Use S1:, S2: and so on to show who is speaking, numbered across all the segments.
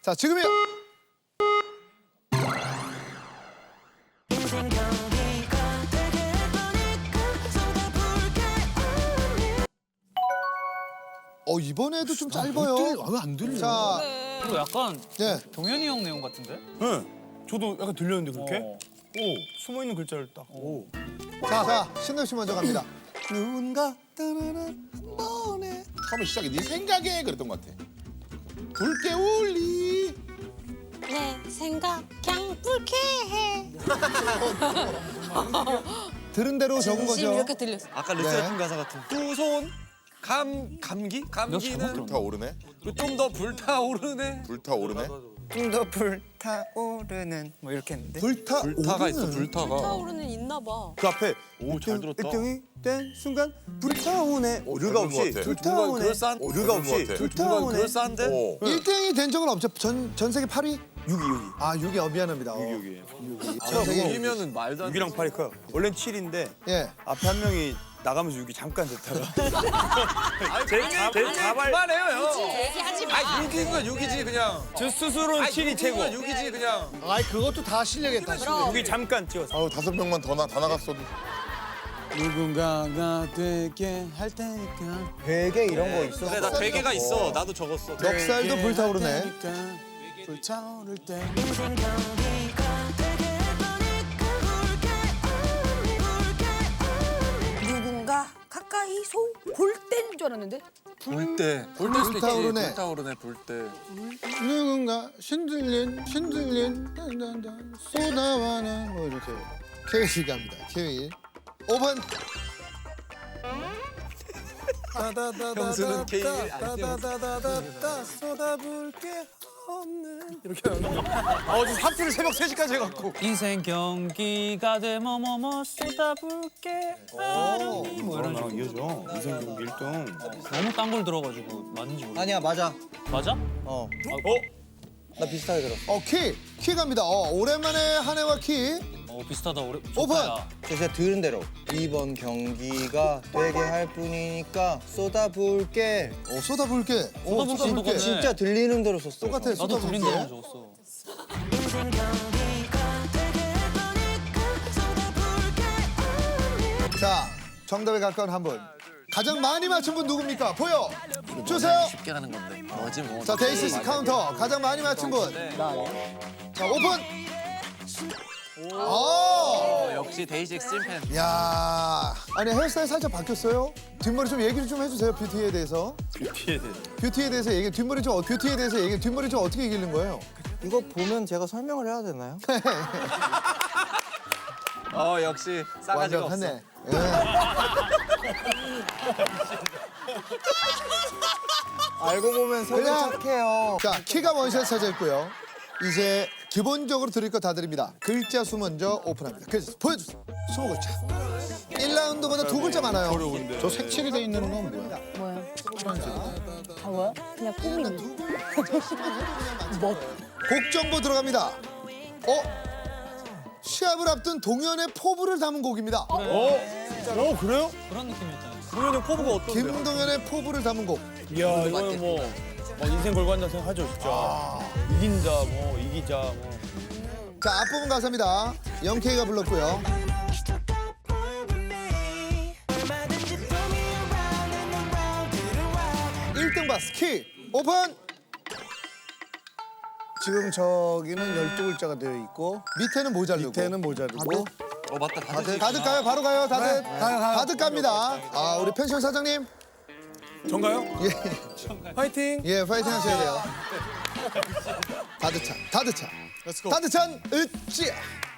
S1: 자, 지금이요. 이번에도 좀 짧아요.
S2: 왜 안 들려?
S1: 자,
S3: 이거 약간
S1: 네.
S3: 동현이 형 내용 같은데?
S2: 네. 저도 약간 들렸는데 그렇게?
S3: 어.
S2: 오, 숨어 있는 글자를 딱. 오.
S1: 자, 신동 씨 먼저 갑니다.
S2: 누군가 따라라 한 번에.
S4: 처음에 시작이 네 생각에 그랬던 것 같아. 붉게 울리.
S5: 내 생각 그냥 불쾌해.
S1: 들은 대로 적은
S5: 진심
S1: 거죠.
S5: 이렇게 들렸어.
S6: 아까
S1: 네.
S6: 르세라핌 가사 같은.
S2: 두손 감기? 감기는
S4: 불타오르네.
S2: 좀 더 불타오르네.
S4: 불타오르네.
S6: 좀 더 불타오르는 뭐 이렇게 했는데.
S2: 불타가 있어,
S1: 오르는.
S2: 불타가.
S5: 타오르는 있나 봐.
S6: 그 앞에
S2: 오, 잘 들었다.
S6: 일등이 된 순간 불타오네. 오류가
S4: 잘
S6: 없이
S4: 들은 것 같아.
S6: 불타오네.
S2: 그럴싸한-
S6: 오류가
S4: 잘
S6: 없이
S4: 들은 것 같아.
S6: 불타오네.
S2: 그럴싸한데?
S4: 오.
S1: 1등이 된 적은 없죠. 전 세계 8위?
S6: 6위.
S1: 아, 6위. 미안합니다.
S6: 6위.
S1: 전 세계
S2: 6이면은 말도 안 돼.
S6: 6이랑 8이 커요. 원래는 7인데
S1: 예.
S6: 앞에 한 명이 나가면서 6이 잠깐 됐다가.
S2: 제 자발. 그만해요, 형.
S5: 얘기하지 마.
S2: 아, 6이면 6이지 그냥.
S6: 저 스스로는 7이 최고.
S2: 6이지 그냥.
S1: 아이, 그것도 다 실력이다.
S5: 그럼
S6: 6이 잠깐 찍었어.
S4: 아우 5명만 다 나갔어도.
S6: 누군가가 되게 할 테니까. 되게 이런 거 있어.
S4: 그래, 나 되게가 있어.
S6: 나도 적었어.
S1: 넉살도 불타오르네.
S6: 불타오를 때.
S5: 누군가 가까이 볼 때인 줄 알았는데.
S2: 불 때.
S1: 불타오르네.
S2: 불타오르네, 불 때.
S1: 누군가 신들린 쏟아와는 뭐 이렇게. 케이 씨 갑니다. 케이. 5번.
S2: 형수는 K
S6: 따다다다다다 쏟아볼게 없는.
S2: 지금 사투를 새벽 3시까지 해갖고.
S3: 인생 경기가 돼 뭐뭐뭐 쏟아볼게 뭐 이런 식으로
S6: 이어져. 이성 경기 1등.
S3: 너무 딴 걸 들어가지고 맞는지 모르겠어.
S6: 아니야 맞아.
S3: 맞아?
S6: 나 비슷하게 들었어.
S1: 키 갑니다. 오랜만에 한 해와 키.
S3: 비슷하다. 오래.
S1: 오픈!
S3: 좋다, 야.
S7: 제가 들은 대로 이번 경기가 되게 할 뿐이니까 쏟아부을게.
S1: 쏟아부을게.
S3: 쏟아부을 수 있는 거네.
S7: 진짜 들리는 대로 썼어.
S1: 똑같아.
S3: 나도 들린 대로
S1: 쏟아부을게.
S3: 적었어.
S1: 자, 정답에 가까운 한 분. 가장 많이 맞춘 분 누굽니까? 보여 주세요.
S6: 쉽게 가는 건데. 뭐지 뭐.
S1: 자, 데이시스 카운터. 가장 많이 맞춘 분. 자, 오픈.
S6: 역시 데이식스 찐팬.
S1: 야, 아니 헤어스타일 살짝 바뀌었어요. 뒷머리 좀 얘기를 좀 해주세요. 뷰티에 대해서. 뷰티에 대해서 얘기. 뒷머리 좀 어떻게 얘기하는 거예요?
S7: 이거 보면 제가 설명을 해야 되나요?
S6: 역시 싸가지가 없어.
S1: 완벽하네. 예.
S7: 알고 보면 속은
S1: 그냥-
S7: 착해요.
S1: 자, 키가 원샷 차지했고요. 이제 기본적으로 드릴 거 다 드립니다. 글자 수 먼저 오픈합니다. 글자 수 보여주세요. 20글자. 1라운드보다 2글자 많아요.
S4: 저 색칠이 돼 있는 건 뭐야?
S5: 뭐야? 아 뭐야? 그냥 꾸미는.
S1: 곡 정보 들어갑니다. 시합을 앞둔 동현의 포부를 담은 곡입니다.
S2: 그래요?
S3: 그런 느낌이었잖아.
S2: 동현이 형 포부가 어떤데요?
S1: 김동현의 포부를 담은 곡.
S2: 이야, 이거는 뭐 인생 걸고 한다 생각하죠, 진짜. 이긴다, 뭐 이기자, 뭐.
S1: 자, 앞부분 가사입니다. 영케이가 불렀고요. 일등 바스 키 오픈.
S8: 지금 저기는 12글자가 되어 있고
S1: 밑에는 모자르고.
S8: 밑에는 모자르고
S6: 맞다.
S1: 다들 가요? 바로 가요? 다들?
S8: 가요.
S1: 다들 갑니다. 아, 우리 펜션 사장님.
S2: 전가요?
S1: 예,
S2: 파이팅!
S1: 예, 파이팅 하셔야 돼요. 다드찬. 다드찬, 으쌰.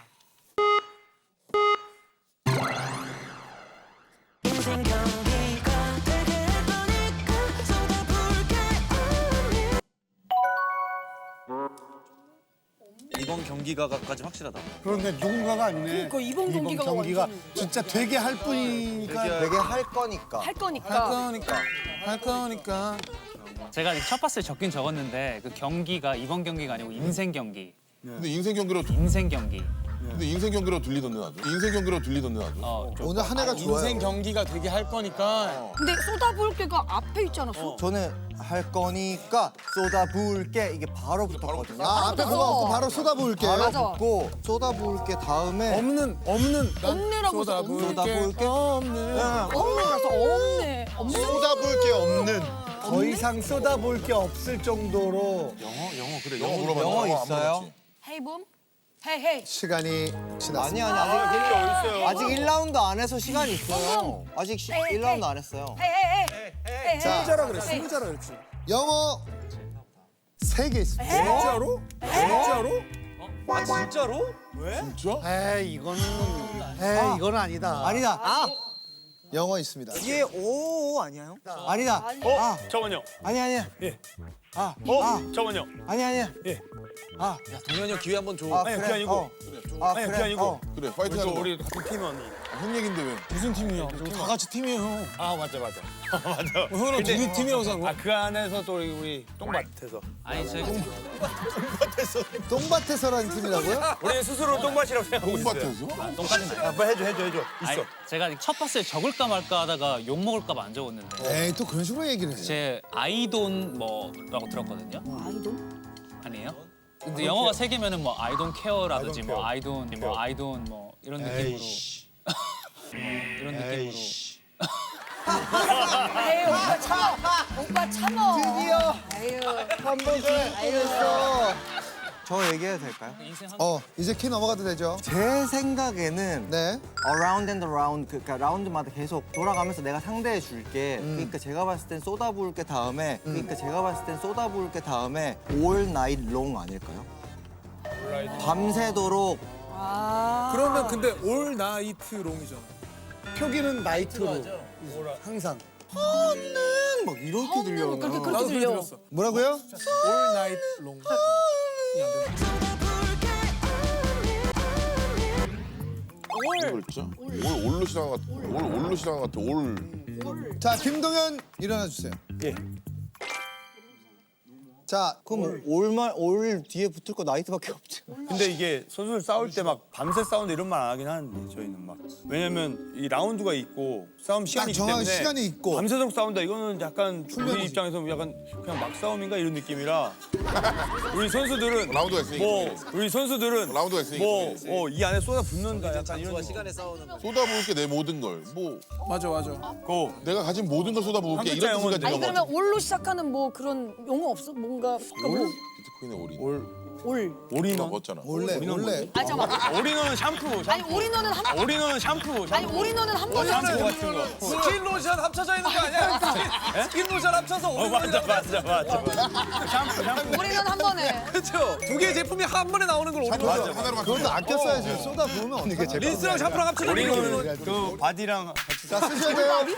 S6: 이번 경기가까지 확실하다.
S8: 그런데 누군가가 아니네.
S5: 그러니까 이번 경기가 완전-
S8: 진짜 되게 할 뿐이니까
S7: 되게 할 거니까.
S5: 할 거니까.
S2: 할 거니까.
S3: 제가 첫 봤을 때 적긴 적었는데 그 경기가 이번 경기가 아니고 인생 경기.
S4: 근데 인생 경기로
S3: 인생 경기.
S4: 근데 인생 경기로 들리던데 나도. 인생 경기로 들리던데 나도.
S1: 오늘 한 해가 좋아요.
S2: 인생 경기가 되게 할 거니까.
S5: 근데 쏟아부을게가 앞에 있지 않았어?
S7: 저는 할 거니까 쏟아부을게 이게 바로 붙었거든요.
S1: 아, 앞에 그거 없고 바로 쏟아부을게.
S7: 바로
S5: 맞아.
S7: 붙고 쏟아부을게 다음에
S5: 없네라고 써.
S7: 쏟아부을게
S5: 없네라서 없네. 없네.
S8: 쏟아볼 게 없는. 더 이상 쏟아볼 게 없을 정도로.
S4: 영어 물어봐.
S7: 영어
S4: 안
S7: 있어요?
S4: 물어봤지.
S5: 헤이붐? 헤이.
S1: 시간이 지났습니다.
S7: 아니 아직 1라운드 안 해서 시간이 있어요. 아직 1라운드 안 했어요.
S5: 헤이.
S1: 자,
S8: 스무자라 그래, 스무자라 그랬지.
S1: 영어 3개 있습니다.
S8: 진짜로? 진짜로?
S4: 진짜?
S8: 에이, 이거는 아니다.
S7: 아니다.
S1: 영어 있습니다.
S7: 이게 오 아니에요? 아니다.
S2: 잠깐만요.
S7: 아니야.
S2: 잠깐만요.
S7: 아니야.
S2: 동현이 형 기회 한번 줘.
S7: 그래.
S2: 그게 아니고.
S7: 그래.
S2: 그게 아니고.
S4: 그래 파이팅 하는 거.
S2: 우리 같은 팀원.
S4: 형 얘긴데 왜?
S2: 무슨 팀이야? 다 같이 팀이에요. 아 맞아. 맞아. 형이랑 우리 팀이어서. 그 안에서 또 우리 똥밭에서.
S3: 아니 저희
S1: 똥밭에서라는 팀이라고요?
S2: 우리 스스로 똥밭이라고 생각하고 있어요.
S4: 똥밭에서?
S3: 똥까지는 아니에요.
S2: 빨리 해줘.
S3: 아니, 제가 첫 버스에 적을까 말까 하다가 욕 먹을까 봐 안 적었는데
S1: 에이, 또 그런 식으로 얘기를 해.
S3: 제 아이돈 뭐라고 들었거든요.
S5: 아이돌?
S3: 아니에요? 근데 영어가 3개면은 뭐 I don't care라든지 뭐 I don't 뭐 이런 느낌으로 이런 느낌으로
S5: 에이 오빠 참어. 오빠 참어.
S7: 드디어
S5: 에휴.
S7: 한 번씩 했어. 저 얘기해도 될까요?
S3: 인생 한
S1: 이제 키 넘어가도 되죠?
S7: 제 생각에는
S1: 네.
S7: around and around 그러니까 라운드마다 계속 돌아가면서 내가 상대해 줄게. 그러니까 제가 봤을 땐 쏟아부을게 다음에 all night long 아닐까요? 밤새도록
S9: 그러면 근데 올 나이트 롱이잖아.
S8: 표기는 나이트로. 항상.
S7: 막 이렇게 들려요.
S5: 그렇게
S9: 나도
S5: 들려.
S9: 들었어.
S1: 뭐라고요?
S9: 올 나이트 롱.
S4: 진짜? 올로 시작한 것 같아. 올로 시작한 것 같아. 올.
S1: 자, 김동현 일어나 주세요.
S2: 예.
S1: 자,
S7: 그럼 올 뒤에 붙을 거 나이트밖에 없죠.
S2: 근데 이게 선수들 싸울 때 막 밤새 싸운다 이런 말 안 하긴 하는데 저희는 막 왜냐면 이 라운드가 있고 싸움 시간이 있기
S1: 정확한
S2: 때문에
S1: 시간이 있고.
S2: 밤새도록 싸운다 이거는 약간 우리 입장에서 약간 그냥 막 싸움인가 이런 느낌이라 우리 선수들은
S4: 라운드가 있으니까.
S2: 우리 선수들은
S4: 라운드가 있으니까.
S2: 이 안에 쏟아 붓는다 약간 이런 시간에
S4: 쏟아부을게 내 모든 걸. 뭐
S9: 맞아.
S2: 고
S4: 내가 가진 모든 걸 쏟아부을게
S2: 한 글자
S4: 이런 뜻을
S2: 영어인데.
S4: 가진
S5: 아니
S4: 거
S5: 그러면
S4: 같아.
S5: 올로 시작하는 뭐 그런 용어 없어? 뭔가 뭐
S4: 비트코인의 올인.
S5: 올.
S2: 올인원
S4: 먹었잖아.
S1: 원래.
S5: 아 잠깐만.
S2: 올인원은 샴푸
S5: 아니 올인원은 한
S2: 올인원은 샴푸
S5: 아니 올인원은 한 번에
S2: 샴푸 같은 거
S9: 스킨 로션 합쳐져 있는 거 아니야? 스킨 로션 합쳐서
S2: 맞아 샴푸
S5: 올인원 한 번에.
S9: 그렇죠. 두 개의 제품이 한 번에 나오는 걸 우리
S4: 하나로만.
S1: 그것도 아껴 써야지. 쏟아 부으면 어떻게
S9: 린스랑 샴푸랑 합쳐져 있는
S2: 올인원은 그 바디랑
S1: 자, 쓰셔야 돼요.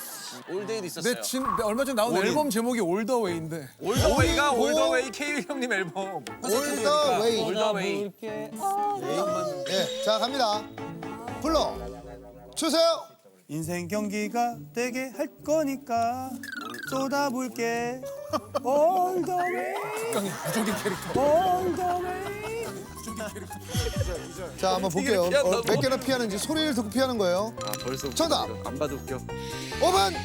S9: 내 얼마 전에 나온 앨범 제목이 올더웨이인데 올더웨이가 올더웨이 K 형님 앨범
S1: 올더웨이.
S9: 올더웨이
S1: 네, 자, 갑니다. 불러 주세요.
S2: 인생 경기가 되게 할 거니까 쏟아볼게 All the way
S9: 무적인 캐릭터
S1: 자, 한번 볼게요. 몇 개나 피하는지 소리를 듣고 피하는 거예요.
S2: 벌써
S1: 정답.
S2: 안 봐도 웃겨
S1: 5번.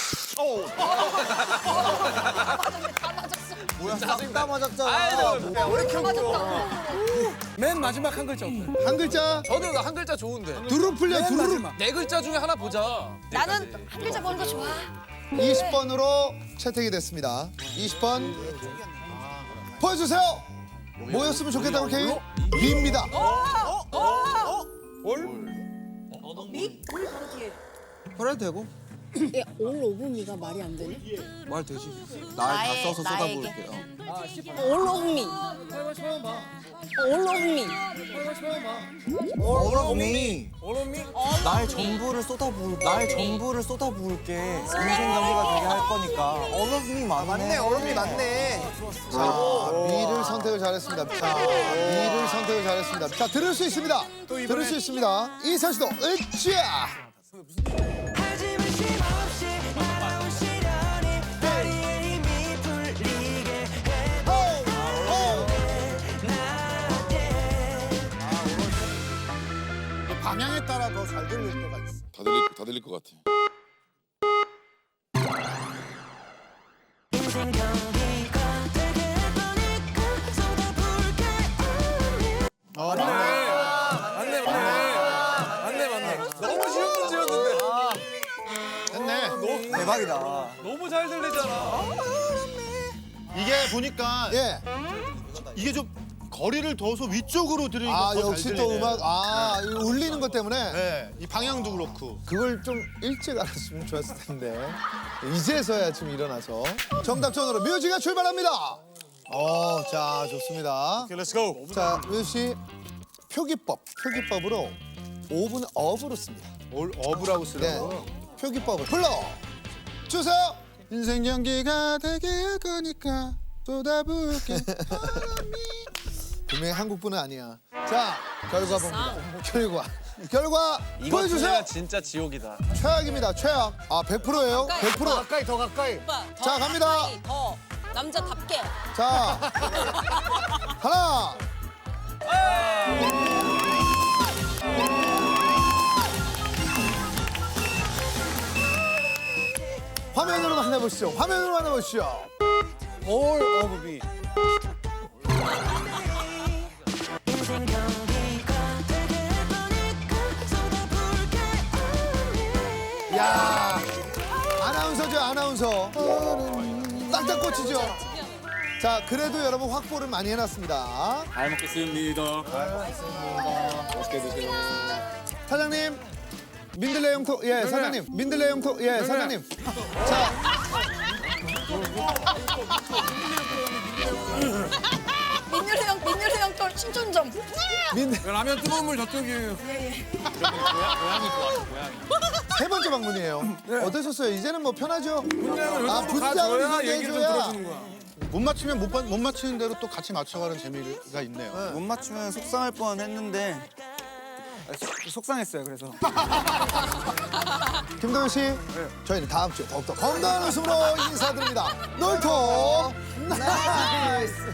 S7: 뭐야 싹다 맞았잖아.
S5: 우리 맞았다.
S9: 맨 마지막 한 글자 어때?
S1: 한 글자.
S9: 저도 한 글자 좋은데
S1: 두루 풀려,
S9: 맨
S1: 두루.
S9: 마지막 네 글자 중에 하나 보자.
S5: 나는 한 글자 보는 거 좋아.
S1: 20번으로 채택이 됐습니다. 20번 보여주세요. 뭐였으면 좋겠다고 케이? 미입니다.
S5: 미? 올 바로 뒤에.
S7: 그래도 되고
S10: 예, 올 오브미가 말이 안 되네.
S7: 말 되지. 날 다 써서 쏟아부을게요.
S10: 올 오브미. 올 오브미.
S7: 어머니
S9: 오로미
S7: 날 전부를 쏟아부을게. 인생 경기가 되게 할 거니까. 어머니 맞네. 어머니 맞네.
S1: 자, 미를 선택을 잘했습니다. 자, 미를 선택을 잘했습니다. 자, 들을 수 있습니다. 들을 수 있습니다. 이선 씨도 으쌰.
S4: 들릴 것 같아.
S9: 맞네. 너무 쉬운 문제였는데.
S8: 됐네.
S7: 대박이다.
S9: 너무 잘 들리잖아.
S8: 이게 보니까
S1: 예.
S8: 이게 좀 거리를 둬서 위쪽으로 들으니까
S1: 아
S8: 더잘
S1: 역시
S8: 들리네.
S1: 또 음악 이거 울리는 것 때문에
S8: 네, 이 방향도 그렇고.
S1: 그걸 좀 일찍 알았으면 좋았을 텐데 이제서야 지금 일어나서 정답전으로 뮤지가 출발합니다. 자 좋습니다.
S8: 오케이, 렛츠고.
S1: 자 뮤지 씨 표기법으로 5분 업으로 씁니다.
S8: 어부라고 쓰라고.
S1: 네. 표기법을 불러 주세요.
S8: 인생 연기가 되게 할 거니까 쏟아부을게.
S1: 분명히 한국분은 아니야. 자 결과 봅니다. 결과 보여주세요.
S9: 진짜 지옥이다.
S1: 최악입니다. 최악. 100%예요. 100%.
S8: 가까이 더 가까이.
S10: 오빠 더
S1: 자, 갑니다.
S10: 가까이, 더 남자답게.
S1: 자 하나. 화면으로 만나보시죠. 화면으로 만나보시죠.
S6: All of me.
S1: 야 아나운서죠 아나운서. 딱딱 꽂히죠. 자 그래도 여러분 확보를 많이 해놨습니다.
S2: 잘 먹겠습니다.
S1: 사장님 민들레 영토 사장님 민들레 영토 사장님. 자
S5: 민율이 형또 신촌점.
S9: 라면 뜨거운 물 저쪽이에요.
S1: 세 번째 방문이에요. 어떠셨어요? 이제는 뭐 편하죠?
S9: 분장을
S1: 분장을
S9: 가줘야
S1: 이렇게
S9: 얘기를 좀
S1: 해줘야.
S9: 들어주는 거야.
S8: 못 맞추면 못 맞추는 대로 또 같이 맞춰가는 재미가 있네요.
S7: 못 맞추면 속상할 뻔했는데 속상했어요. 그래서.
S1: 김동현 씨, 저희는 다음 주에 더욱더 건강한 웃음으로 인사드립니다. 놀토 나이스.